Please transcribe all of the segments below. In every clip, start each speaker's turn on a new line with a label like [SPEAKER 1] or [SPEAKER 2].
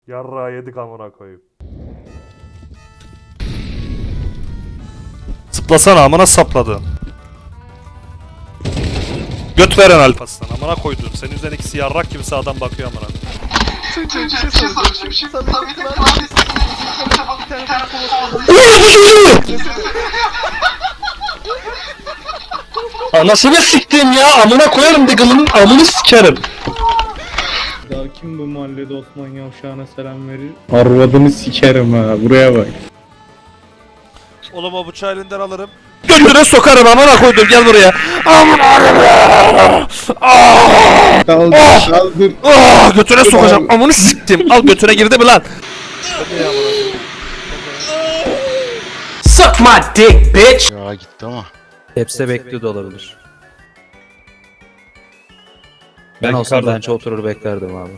[SPEAKER 1] Yarra yedik amına koyayım. Zıplasana amına sapladın. Göt veren alpaslan amına koydun. Senin üzerine ikisi yarrak gibi sağdan bakıyor amına.
[SPEAKER 2] Anasını siktim ya, amına koyarım digılının amını sikerim.
[SPEAKER 3] Daha kim bu mahallede Osman Yavşağı'na selam verir? Arvadını sikerim ha, buraya bak.
[SPEAKER 1] Oğlum o bıçağı elinden alırım. Götüne sokarım amına koydum, gel buraya.
[SPEAKER 3] Kaldır.
[SPEAKER 1] Götüne sokacağım amını siktim. Al götüne girdi mi lan?
[SPEAKER 2] Suck my dick bitch.
[SPEAKER 4] Ya gitti ama.
[SPEAKER 5] Hepsi bekliyor da olabilir. Ben olsam bence oturur beklerdim abi.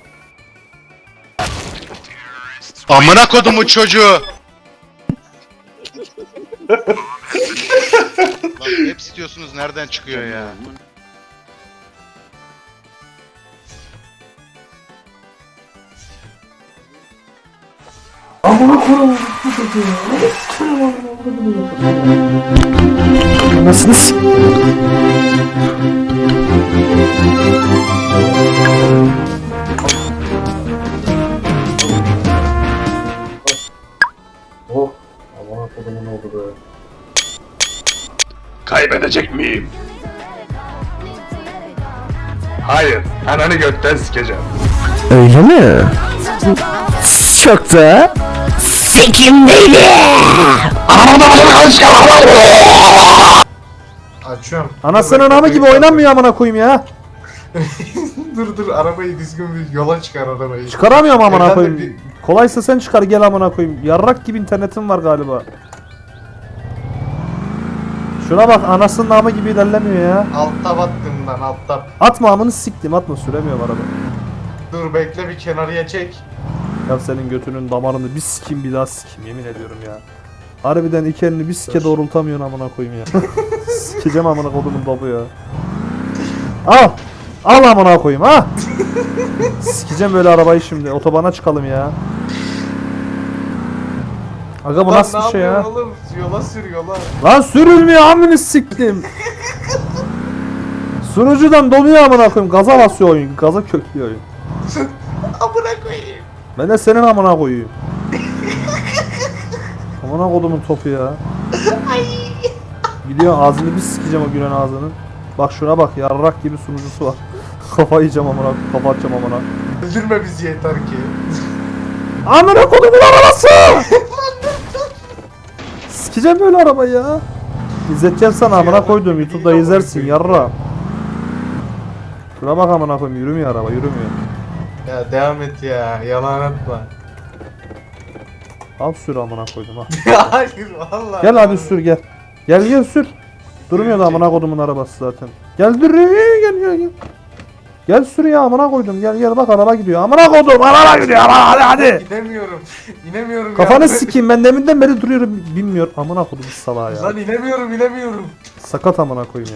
[SPEAKER 4] Amına kodumun çocuğu. Lan hep istiyorsunuz, nereden çıkıyor ya?
[SPEAKER 1] Nasıl s***?
[SPEAKER 6] Kaybedecek miyim? Hayır, ananı gökten sikeceğim.
[SPEAKER 2] Öyle mi? Çok da sikim neydi?
[SPEAKER 7] Açıyorum.
[SPEAKER 1] Anasının anamı gibi oynanmıyor amına koyayım ya.
[SPEAKER 7] dur arabayı düzgün bir yola çıkar arabayı.
[SPEAKER 1] Çıkaramıyorum amına
[SPEAKER 7] Efendim,
[SPEAKER 1] koyayım. Kolaysa sen çıkar gel amına koyayım. Yarrak gibi internetim var galiba. Şuna bak anasının namı gibi ilerlemiyor ya.
[SPEAKER 7] Altta battım lan altta.
[SPEAKER 1] Atma amını siktim atma süremiyorum araba.
[SPEAKER 7] Dur bekle bir kenarıya çek.
[SPEAKER 1] Ya senin götünün damarını bir sikeyim bir daha sikeyim yemin ediyorum ya. Harbiden iki elini bir sike doğrultamıyorsun amına koyayım ya. Sikeceğim amına kodumun topu ya. Al. Al amına koyayım ha. Sikeceğim böyle arabayı şimdi. Otobana çıkalım ya. Aga bu
[SPEAKER 7] Lan
[SPEAKER 1] nasıl
[SPEAKER 7] ne
[SPEAKER 1] bir şey ya?
[SPEAKER 7] yapıyorsun oğlum? Yola sür yola.
[SPEAKER 1] Lan sürülmüyor amını siktim. Sunucudan donuyor amına koyayım. Gaza basıyor oyun. Gaza köklüyor oyun.
[SPEAKER 7] Amına koyayım.
[SPEAKER 1] Ben de senin amına koyayım. Amına kodumun topu ya. Gidiyor ağzını bir sikeceğim o gülen ağzının. Bak şuna bak yarrak gibi sunucusu var. Kafa yiyeceğim amına, kafa atacağım amına.
[SPEAKER 7] Öldürme bizi yeter ki.
[SPEAKER 1] Amına kodumun arabası! Sikeceğim böyle arabayı ya. İzleteceğim sana amına koydum YouTube'da izlersin yarra. Şuna bak amına koyayım yürümüyor araba yürümüyor.
[SPEAKER 7] Ya devam et ya. Yalan atma.
[SPEAKER 1] Al sür amına koydum ha.
[SPEAKER 7] Hayır vallahi.
[SPEAKER 1] Gel hadi sür gel. Gel sür. Durmuyor da amına kodumun arabası zaten. Gel dur gel. Gel sür ya amına koydum gel bak araba gidiyor. Amına kodum araba gidiyor hadi.
[SPEAKER 7] İnemiyorum. İnemiyorum
[SPEAKER 1] Kafanı
[SPEAKER 7] ya.
[SPEAKER 1] sikeyim ben deminden beri duruyorum bilmiyor. Amına kodum salağa ya.
[SPEAKER 7] Lan inemiyorum.
[SPEAKER 1] Sakat amına koyayım ya.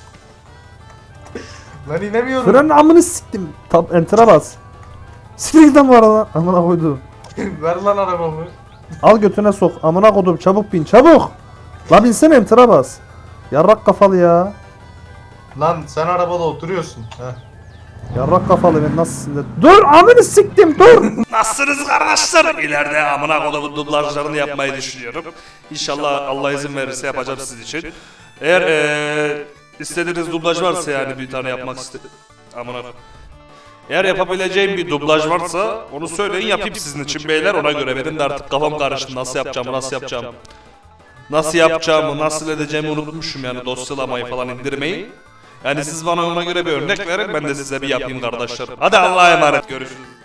[SPEAKER 7] Lan inemiyorum.
[SPEAKER 1] Frenin amını siktim. Enter'a bas. Siktir git lan bu arada. Amına koydum.
[SPEAKER 7] Ver lan arabamı.
[SPEAKER 1] Al götüne sok. Amına kodum çabuk bin çabuk. La binsene enter'a bas. Yarrak kafalı ya.
[SPEAKER 7] Lan sen arabada oturuyorsun. Heh.
[SPEAKER 1] Yarrak kafalı ben nasılsın de. Dur amını siktim dur.
[SPEAKER 8] Nasılsınız kardeşlerim? İleride amına kodumun dublajlarını yapmayı düşünüyorum. İnşallah Allah izin verirse yapacağım sizin için. Eğer istediğiniz dublaj varsa yani bir tane yapmak amına. Eğer yapabileceğim bir dublaj varsa onu söyleyin yapayım sizin için beyler, ona göre benim de artık kafam karıştı nasıl yapacağımı nasıl edeceğimi unutmuşum yani dosyalamayı falan indirmeyi. Yani siz bana ona göre bir örnek verin ben de size bir yapayım kardeşlerim. Hadi Allah'a emanet görüşürüz.